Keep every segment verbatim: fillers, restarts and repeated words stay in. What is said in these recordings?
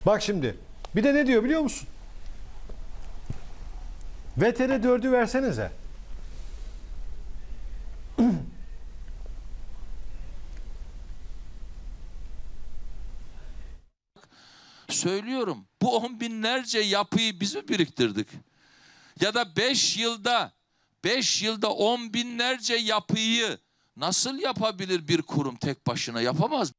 Bak şimdi. Bir de ne diyor biliyor musun? V T R dördü versenize. Söylüyorum, bu on binlerce yapıyı biz mi biriktirdik? Ya da beş yılda, beş yılda on binlerce yapıyı nasıl yapabilir bir kurum tek başına? Yapamaz.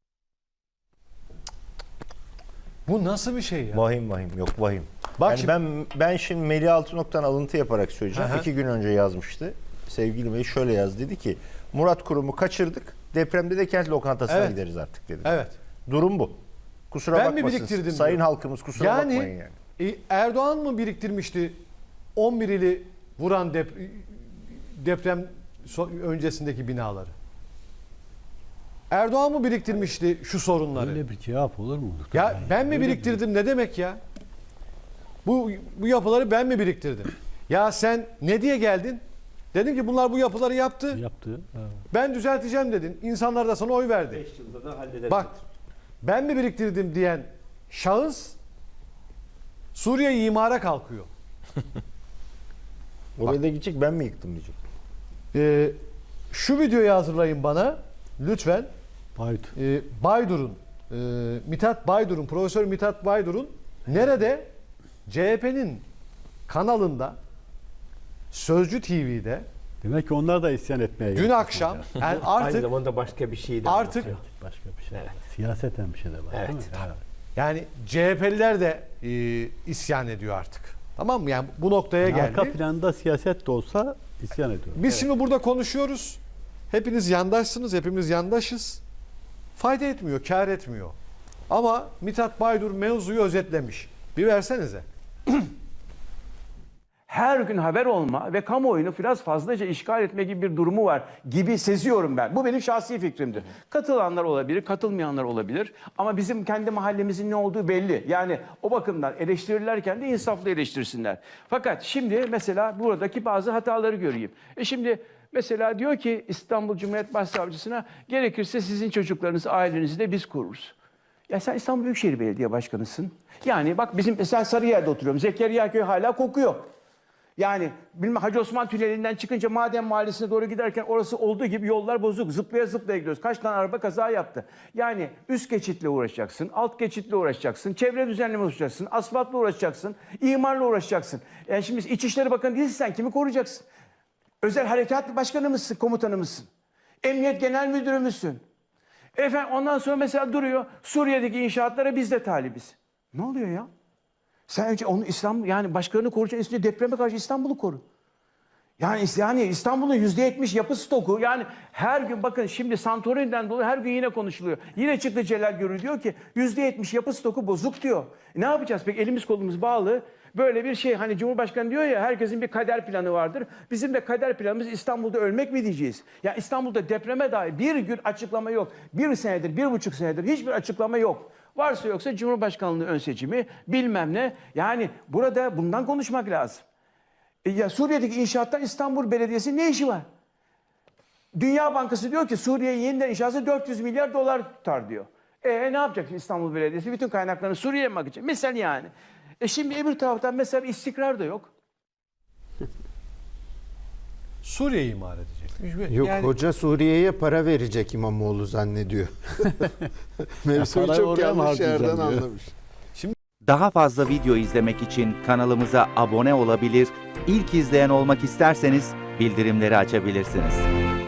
Bu nasıl bir şey ya? Vahim vahim yok vahim. Bak Yani şimdi- ben ben şimdi Melih Altınok'tan alıntı yaparak söyleyeceğim. Aha. İki gün önce yazmıştı. Sevgili Melih şöyle yaz, dedi ki Murat Kurum'u kaçırdık. Depremde de kent lokantasına Evet. gideriz artık dedi. Evet. Durum bu. Kusura Ben mi bakmasın. biriktirdim Sayın diyor. halkımız kusura Yani, bakmayın yani. e, Erdoğan mı biriktirmişti on bir ili vuran dep deprem so- öncesindeki binaları? Erdoğan mı biriktirmişti şu sorunları? Öyle bir cevap olur mu? Ya Yani ben mi öyle biriktirdim ne demek ya? Bu bu yapıları ben mi biriktirdim? Ya sen ne diye geldin? Dedin ki bunlar bu yapıları yaptı. bir yaptı. Evet. Ben düzelteceğim dedin. İnsanlar da sana oy verdi. beş yılda da hallederiz. Bak ben mi biriktirdim diyen şahıs Suriye imara kalkıyor. Oraya da gidecek, ben mi yıktım diyecek. Ee, şu videoyu hazırlayın bana lütfen. Bayt. Ee, Baydur'un e, Mithat Baydur'un Profesör Mithat Baydur'un nerede? C H P'nin kanalında Sözcü T V'de Demek ki onlar da isyan etmeye dün gelmiş akşam yani. yani Aynı artık zamanda başka bir şey de artık- anlatıyor. Başka bir şey. Evet. Siyaseten bir şey de var. Evet, değil mi? tabii. Evet. yani C H P'liler de e, isyan ediyor artık. Tamam mı? Yani bu noktaya Yani geldi. arka planda siyaset de olsa isyan ediyor. Biz şimdi burada konuşuyoruz. Hepiniz yandaşsınız, hepimiz yandaşız. Fayda etmiyor, kar etmiyor. Ama Mithat Baydur mevzuyu özetlemiş. Bir versenize. Her gün haber olma ve kamuoyunu biraz fazlaca işgal etme gibi bir durumu var gibi seziyorum ben. Bu benim şahsi fikrimdir. Katılanlar olabilir, katılmayanlar olabilir. Ama bizim kendi mahallemizin ne olduğu belli. Yani o bakımdan eleştirirlerken de insaflı eleştirsinler. Fakat şimdi mesela buradaki bazı hataları göreyim. E şimdi mesela diyor ki İstanbul Cumhuriyet Başsavcısına gerekirse sizin çocuklarınızı, ailenizi de biz koruruz. Ya sen İstanbul Büyükşehir Belediye Başkanısın. Yani bak bizim mesela Sarıyer'de oturuyorum. Zekeriya Köy hala kokuyor. Yani bilmem Hacı Osman Tüneli'nden çıkınca Maden Mahallesi'ne doğru giderken orası olduğu gibi yollar bozuk. Zıplaya zıplaya gidiyoruz. Kaç tane araba kaza yaptı. Yani üst geçitle uğraşacaksın, alt geçitle uğraşacaksın, çevre düzenleme uğraşacaksın, asfaltla uğraşacaksın, imarla uğraşacaksın. Yani şimdi İçişleri Bakanı değilsin, sen kimi koruyacaksın? Özel Harekat Başkanı mısın, komutanı mısın? Emniyet Genel Müdürü müsün? Efendim ondan sonra mesela duruyor Suriye'deki inşaatlara biz de talibiz. Ne oluyor ya? Sen önce onu İstanbul yani başkalarını koruyacaksın, üstüne depreme karşı İstanbul'u koru. Yani, yani İstanbul'un yüzde yetmiş yapı stoku yani her gün bakın şimdi Santorini'den dolayı her gün yine konuşuluyor. Yine çıktı Celal Görür diyor ki yüzde yetmiş yapı stoku bozuk diyor. E ne yapacağız peki elimiz kolumuz bağlı böyle bir şey hani Cumhurbaşkanı diyor ya herkesin bir kader planı vardır. Bizim de kader planımız İstanbul'da ölmek mi diyeceğiz? Ya İstanbul'da depreme dair bir gün açıklama yok. Bir senedir bir buçuk senedir hiçbir açıklama yok. Varsa yoksa Cumhurbaşkanlığı ön seçimi bilmem ne. Yani burada bundan konuşmak lazım. E ya Suriye'deki inşaattan İstanbul Belediyesi ne işi var? Dünya Bankası diyor ki Suriye yeniden inşası dört yüz milyar dolar tutar diyor. E ne yapacak İstanbul Belediyesi? Bütün kaynaklarını Suriye'ye mi akacak? Misal yani. E şimdi öbür taraftan mesela istikrar da yok. Suriye imar edecek. Yok Yani- hoca Suriye'ye para verecek İmamoğlu zannediyor. Mevzuyu parayı çok oraya mı yanlış yerden harcayacağım diyor. anlamış. Daha fazla video izlemek için kanalımıza abone olabilir, ilk izleyen olmak isterseniz bildirimleri açabilirsiniz.